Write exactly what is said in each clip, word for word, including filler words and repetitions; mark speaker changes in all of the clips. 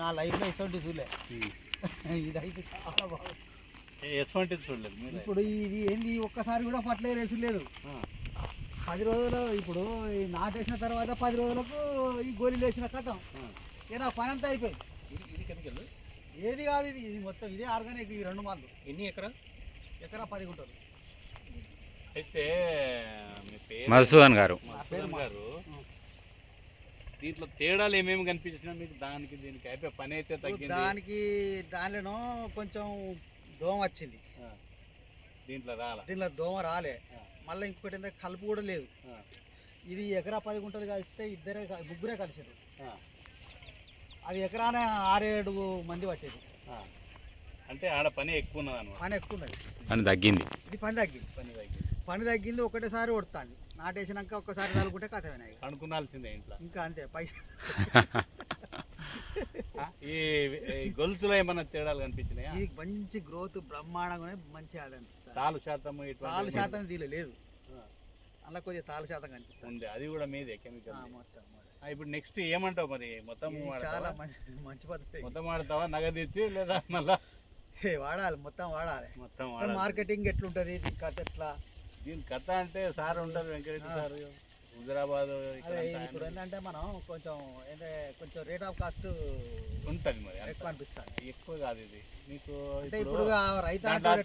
Speaker 1: నా లైఫ్లో ఇటువంటి చూడలే. ఇదైతే చాలా బాగుంది.
Speaker 2: ఎటువంటి చూడలేదు
Speaker 1: ఇప్పుడు ఇది ఏంది ఒక్కసారి కూడా పట్లేదు వేసులేదు. పది రోజులు ఇప్పుడు నాటేసిన తర్వాత పది రోజులకు ఈ గోళీలు వేసిన కథం ఇక నా పని అంతా అయిపోయింది.
Speaker 2: ఇది కెమికల్
Speaker 1: ఏది కాదు, ఇది ఇది మొత్తం ఇదే ఆర్గానిక్. ఈ రెండు మాలు
Speaker 2: ఎన్ని ఎకరా?
Speaker 1: ఎకరా పది గుంటలు.
Speaker 2: అయితే మీ పేరు
Speaker 3: మధుసూదన్ గారు
Speaker 2: గారు దీంట్లో తేడాలు ఏమేమి కనిపించినా మీకు? దానికి దీనికి అయిపోయి పని అయితే తగ్గింది.
Speaker 1: దానికి దానిలో కొంచెం దోమ వచ్చింది,
Speaker 2: దీంట్లో రాలే.
Speaker 1: దీంట్లో దోమ రాలే. మళ్ళీ ఇంకొకటి ఏంటంటే కలుపు కూడా లేదు. ఇది ఎకరా పది గుంటలు కలిస్తే ఇద్దరే ముగ్గురే కలిసారు. అది ఎకరాన ఆరేడు మంది పట్టేది.
Speaker 2: అంటే ఆడ పని ఎక్కువ ఉన్నది అనమాట.
Speaker 1: పని ఎక్కువ ఉన్నది,
Speaker 3: పని తగ్గింది.
Speaker 1: ఇది పని తగ్గింది.
Speaker 2: పని తగ్గింది
Speaker 1: పని తగ్గింది ఒకటేసారి కొడుతుంది. నాటేసినాక ఒక్కసారి తలుకుంటే కథమైనాయి.
Speaker 2: అనుకున్నాల్సిందే ఇంట్లో.
Speaker 1: ఇంకా అంతే పైసా.
Speaker 2: ఈ గొలుసులో ఏమన్నా తేడాలు కనిపించినాయా?
Speaker 1: ఇది మంచి గ్రోత్ బ్రహ్మాండంగా మంచి ఆదాయం అనిపిస్తుంది.
Speaker 2: తాలు శాతం
Speaker 1: తాలు శాతం దీనిలో లేదు, అలా కొద్దిగా తాలు శాతం కనిపిస్తుంది.
Speaker 2: అది కూడా మీదే కెమికల్.
Speaker 1: మొత్తం
Speaker 2: ఇప్పుడు నెక్స్ట్ ఏమంటావు మరి? మొత్తం
Speaker 1: చాలా మంచి మంచి పద్ధతి.
Speaker 2: మొత్తం వాడతావా నగదు ఇచ్చి, లేదా మళ్ళా
Speaker 1: వాడాలి? మొత్తం వాడాలి.
Speaker 2: మొత్తం
Speaker 1: మార్కెటింగ్ ఎట్లుంటది దీని కథ ఎట్లా?
Speaker 2: దీని కథ అంటే సార్ ఉంటారు, వెంకటరెడ్డి సార్, హుజరాబాద్.
Speaker 1: ఇప్పుడు ఏంటంటే మనం కొంచెం ఏంటంటే కొంచెం రేట్ ఆఫ్ కాస్ట్
Speaker 2: ఉంటుంది మరి,
Speaker 1: ఎక్కువ అనిపిస్తుంది.
Speaker 2: ఎక్కువ కాదు ఇది మీకు.
Speaker 1: అంటే ఇప్పుడు రైతు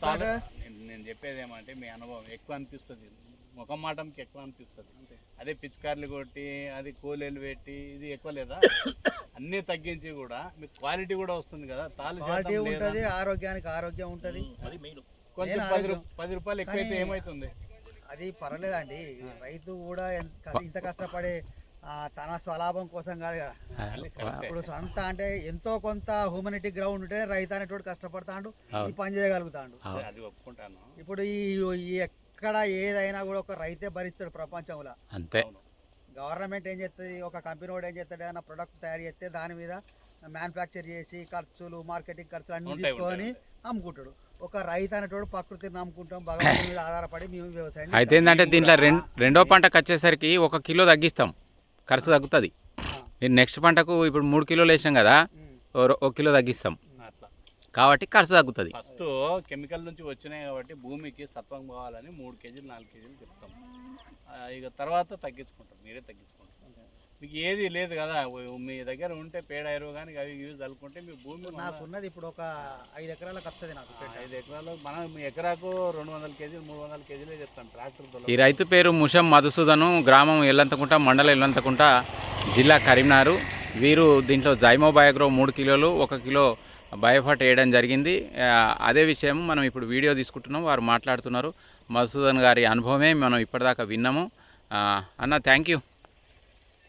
Speaker 2: నేను చెప్పేది ఏమంటే మీ అనుభవం ఎక్కువ అనిపిస్తుంది, ముఖం మాటంకి ఎక్కువ అనిపిస్తుంది. అదే పిచికార్లు కొట్టి అది కూలీలు పెట్టి ఇది ఎక్కువ లేదా? అన్నీ తగ్గించి కూడా మీకు క్వాలిటీ కూడా వస్తుంది కదా. తాలు
Speaker 1: క్వాలిటీ ఉంటుంది, ఆరోగ్యానికి ఆరోగ్యం ఉంటుంది.
Speaker 2: కొంచెం పది పది రూపాయలు ఎక్కువైతే ఏమవుతుంది?
Speaker 1: అది పర్వాలేదండి. రైతు కూడా ఇంత కష్టపడి తన స్వలాభం కోసం కాదు కదా. ఇప్పుడు సొంత అంటే ఎంతో కొంత హ్యూమనిటీ గ్రౌండ్ ఉంటే రైతు అనేటువంటి కష్టపడతాడు, ఈ పని చేయగలుగుతాడు.
Speaker 2: అది ఒప్పుకుంటాను.
Speaker 1: ఇప్పుడు ఈ ఎక్కడ ఏదైనా కూడా ఒక రైతే భరిస్తాడు ప్రపంచంలో.
Speaker 3: అంతే.
Speaker 1: గవర్నమెంట్ ఏం చేస్తుంది, ఒక కంపెనీ వాడు ఏం చేస్తాడు, ఏదైనా ప్రొడక్ట్ తయారు చేస్తే దాని మీద మ్యానుఫ్యాక్చర్ చేసి ఖర్చులు మార్కెటింగ్ ఖర్చులు అన్ని తీసుకొని అమ్ముకుంటాడు. ఒక రైతు అనేటోడు ప్రకృతిని నమ్ముకుంటాం, భగవంతుని మీద ఆధారపడి మేము వ్యవసాయం.
Speaker 3: అయితే ఏంటంటే దీంట్లో రెండు రెండో పంటకు వచ్చేసరికి ఒక కిలో తగ్గిస్తాం, ఖర్చు తగ్గుతుంది. మీరు నెక్స్ట్ పంటకు ఇప్పుడు మూడు కిలోలు వేసినాం కదా, ఒక కిలో తగ్గిస్తాం కాబట్టి ఖర్చు తగ్గుతుంది.
Speaker 2: ఫస్ట్ కెమికల్ నుంచి వచ్చినాయి కాబట్టి భూమికి సత్వం కావాలని మూడు కేజీలు నాలుగు కేజీలు చెప్తాం. ఇక తర్వాత తగ్గించుకుంటాం, మీరే తగ్గించుకుంటాం. మీకు ఏది లేదు కదా, మీ దగ్గర ఉంటే పేడ ఎరువు కానీ అవి యూజ్ చల్లుకుంటే మీ భూమి.
Speaker 1: నాకున్నది ఇప్పుడు ఒక ఐదు ఎకరాలకు వస్తుంది. నాకు
Speaker 2: ఐదు ఎకరాలు మనం మీ ఎకరాకు రెండు వందల కేజీలు మూడు వందల కేజీలే చెప్తాం ట్రాక్టర్.
Speaker 3: ఈ రైతు పేరు ముషం మధుసూదను, గ్రామం ఎల్లంతకుంట, మండలం ఎల్లంతకుంట, జిల్లా కరీంనగర్. వీరు దీంట్లో జైమో బయోగ్రో మూడు కిలోలు ఒక కిలో బయోఫాట్ వేయడం జరిగింది. అదే విషయం మనం ఇప్పుడు వీడియో తీసుకుంటున్నాం, వారు మాట్లాడుతున్నారు. మధుసూదన్ గారి అనుభవమే మనం ఇప్పటిదాకా విన్నాము. అన్న థ్యాంక్ యూ.